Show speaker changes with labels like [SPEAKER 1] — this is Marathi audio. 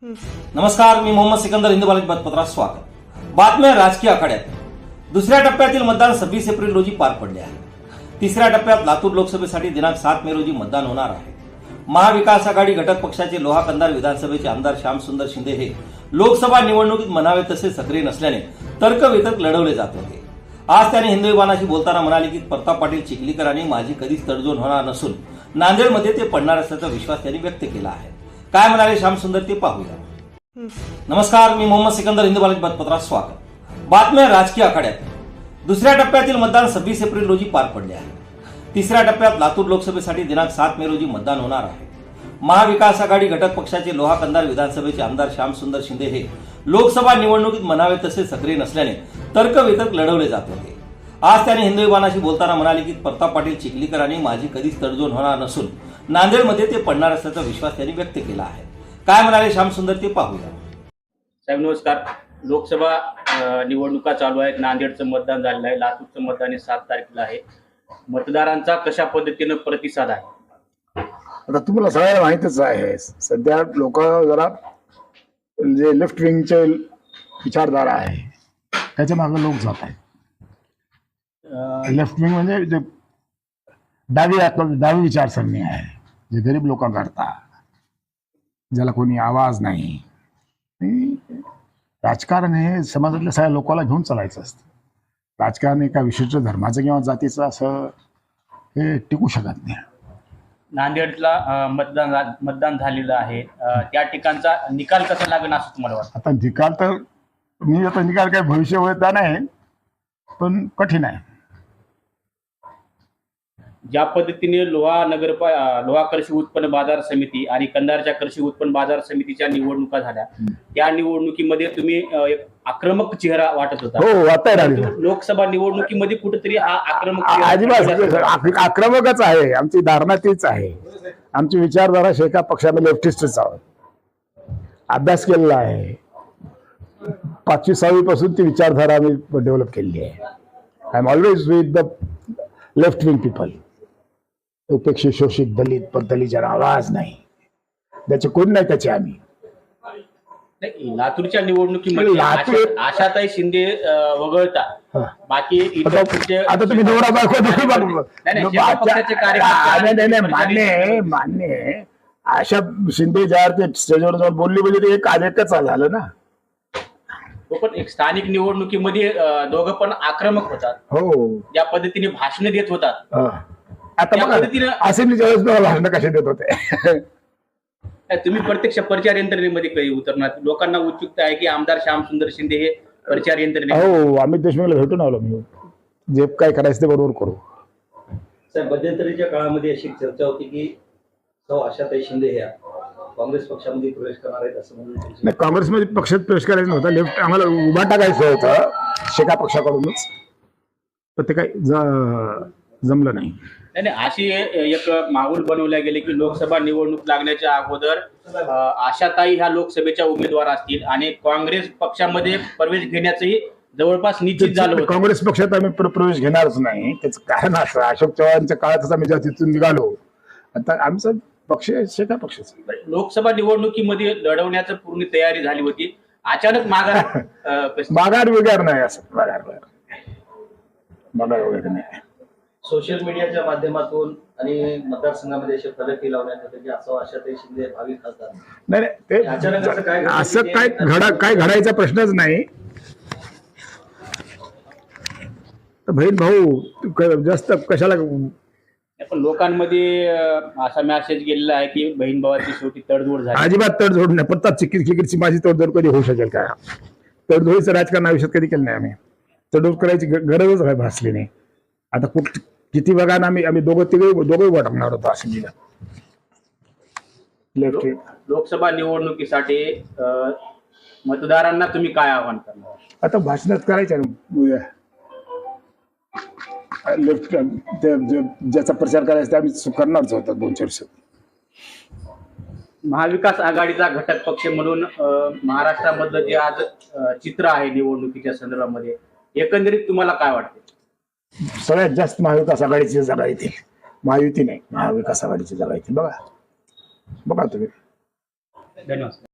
[SPEAKER 1] नमस्कार, मी मोहम्मद सिकंदर, हिंदू बालाजी बातमीपत्रात स्वागत। बातम्या राजकीय आखाड्यात। दुसऱ्या टप्प्यातील मतदान 26 एप्रिल रोजी पार पडले आहे। तिसऱ्या टप्प्यात लातूर लोकसभेसाठी दिनांक 7 मे रोजी मतदान होणार आहे। महाविकास आघाडी घटक पक्षाचे लोहा कंधार विधानसभेचे आमदार श्यामसुंदर शिंदे हे लोकसभा निवडणुकीत म्हणावे तसे सक्रिय नसल्याने तर्कवितर्क लढवले जात होते। आज त्यांनी हिंदू विभागाशी बोलताना म्हणाले की प्रताप पाटील चिखलीकर आणि माझी कधीच तडजोड होणार नसून नांदेडमध्ये ते पडणार असल्याचा विश्वास त्यांनी व्यक्त केला आहे। काय म्हणाले श्यामसुंदर ते पाहूया। नमस्कार, मी मोहम्मद सिकंदर, हिंदू बालाजी बातमीपत्रात स्वागत। बातम्या राजकीय आखाड्यात। दुसऱ्या टप्प्यातील मतदान 26 एप्रिल रोजी पार पडले आहे। तिसऱ्या टप्प्यात लातूर लोकसभेसाठी दिनांक 7 मे रोजी मतदान होणार आहे। महाविकास आघाडी घटक पक्षाचे लोहा कंधार विधानसभेचे आमदार श्यामसुंदर शिंदे हे लोकसभा निवडणुकीत म्हणावे तसे सक्रिय नसल्याने तर्कवितर्क लढवले जात होते। आज त्यांनी हिंदू विभागाशी बोलताना म्हणाले की प्रताप पाटील चिखलीकर आणि माझी कधीच तडजोड होणार नसून नांदेडमध्ये ते पडणार असल्याचा विश्वास त्यांनी व्यक्त केला आहे। काय म्हणाले श्यामसुंदर ते पाहूया।
[SPEAKER 2] साहेब नमस्कार। लोकसभा निवडणुका चालू आहेत। नांदेडचं मतदान झालेलं आहे, लातूरचं मतदान 7 तारखेला आहे। मतदारांचा कशा पद्धतीने प्रतिसाद आहे?
[SPEAKER 3] आता तुम्हाला सगळ्यांना माहितच आहे, सध्या लोक जरा जे लेफ्ट विंगचे विचारधारा आहे त्याच्या मागे लोक जात आहेत। लेफ्ट विंग म्हणजे जे डावी विचारसरणी आहे, जे गरीब लोकांकरता, ज्याला कोणी आवाज नाही। राजकारण हे समाजातल्या सगळ्या लोकांना घेऊन चालायचं असतं। राजकारण एका विशिष्ट धर्माचं किंवा जातीचं असं हे टिकू शकत नाही।
[SPEAKER 2] नांदेडला मतदान झालेलं आहे, त्या ठिकाणचा निकाल कसा लागेल असं तुम्हाला वाटतं?
[SPEAKER 3] आता निकाल तर निकाल काय भविष्यवेत्ता नाही, पण कठीण आहे।
[SPEAKER 2] ज्या पद्धतीने लोहा कृषी उत्पन्न बाजार समिती आणि कंधारच्या कृषी उत्पन्न बाजार समितीच्या निवडणुका झाल्या, त्या निवडणुकीमध्ये तुम्ही एक आक्रमक चेहरा वाटत होता।
[SPEAKER 3] हो, वाटतंय।
[SPEAKER 2] लोकसभा निवडणुकीमध्ये कुठेतरी हा आक्रमक
[SPEAKER 3] अजिबात आक्रमकच आहे। आमची धारणा तीच आहे। आमची विचारधारा शेका पक्षामध्ये लेफ्टिस्टच आहोत। अभ्यास केलेला आहे। 5वी 6वी पासून ती विचारधारा आम्ही डेव्हलप केलेली आहे। I am always with the left wing people. उपेक्षित, शोषित, दलित, पण दलितांना आवाज नाही, त्याचे कोण नाही त्याचे आम्ही।
[SPEAKER 2] लातूरच्या निवडणुकीमध्ये आशाताई शिंदे वगळता बाकी
[SPEAKER 3] आता तुम्ही नवरा बायको मान्य आशा शिंदे ज्यावर ते स्टेजवर जाऊन बोलली म्हणजे ते एक कार्यकच झालं ना।
[SPEAKER 2] पण एक स्थानिक निवडणुकीमध्ये दोघं पण आक्रमक होतात।
[SPEAKER 3] हो,
[SPEAKER 2] ज्या पद्धतीने भाषण देत होतात,
[SPEAKER 3] आता असेंब्लीच्या वेळेस भाषण कसे देत होते?
[SPEAKER 2] तुम्ही प्रत्यक्ष प्रचार यंत्रणेमध्ये काही उतरणार? लोकांना उत्सुकता आहे की आमदार श्यामसुंदर शिंदे हे प्रचार यंत्रणे।
[SPEAKER 3] हो, अमित देशमुखला भेटून आलो मी। जे काय करायचं ते बरोबर करू।
[SPEAKER 1] साहेब, मध्यंतरीच्या काळामध्ये अशी चर्चा होती की आशाताई शिंदे ह्या काँग्रेस पक्षामध्ये प्रवेश करणार आहेत असं म्हणून।
[SPEAKER 3] नाही, काँग्रेसमध्ये पक्षात प्रवेश करायचा नव्हता। लेफ्ट आम्हाला उभा टाकायचं होतं शेका पक्षाकडूनच, पण ते काही जमलं नाही।
[SPEAKER 2] अशी एक माहोल बनवल्या गेले की लोकसभा निवडणूक लागण्याच्या अगोदर आशाताई ह्या लोकसभेच्या उमेदवार असतील आणि काँग्रेस पक्षामध्ये प्रवेश घेण्याचंही जवळपास निश्चित झालं होतं।
[SPEAKER 3] काँग्रेस पक्षात आम्ही प्रवेश घेणारच नाही। त्याचं कारण असं, अशोक चव्हाणच्या काळातच आम्ही तिथून निघालो। आता आमचा पक्ष शेका पक्षच।
[SPEAKER 2] लोकसभा निवडणुकीमध्ये लढवण्याची पूर्ण तयारी झाली होती, अचानक
[SPEAKER 3] माघार वगैरे नाही। असं माघार वगैरे नाही।
[SPEAKER 1] सोशल मीडियाच्या माध्यमातून आणि मतदारसंघामध्ये असे फलकही लावण्यात येते की असं आशाताई शिंदे भावी खासदार।
[SPEAKER 3] नाही, ते असं काय घडायचा प्रश्नच नाही। बहीण भाऊ जास्त कशाला?
[SPEAKER 2] पण लोकांमध्ये असा मेसेज गेलेला आहे की बहीण भावाची शेवटी तडजोड झाली।
[SPEAKER 3] अजिबात तडजोड नाही। प्रताप चिखलीकरची माझी तडजोड कधी होऊ शकेल का? तडजोडीचं राजकारण आयुष्यात कधी केलं नाही आम्ही। तडजोड करायची गरजच काय भासली नाही। आता किती बघा ना, आम्ही दोघं उभं टाकणार होतो असेंब्लीला।
[SPEAKER 2] लोकसभा निवडणुकीसाठी मतदारांना तुम्ही काय आवाहन करणार?
[SPEAKER 3] आता भाषणात करायचं लेफ्ट ज्याचा प्रचार करायचा आम्ही करणारच होता 2-4 वर्षात।
[SPEAKER 2] महाविकास आघाडीचा घटक पक्ष म्हणून महाराष्ट्रामधलं जे आज चित्र आहे निवडणुकीच्या संदर्भामध्ये, एकंदरीत तुम्हाला काय वाटते?
[SPEAKER 3] सगळ्यात जास्त महाविकास आघाडीची जागा येतील। महायुती नाही, महाविकास आघाडीची जागा येतील। बघा तुम्ही।
[SPEAKER 2] धन्यवाद।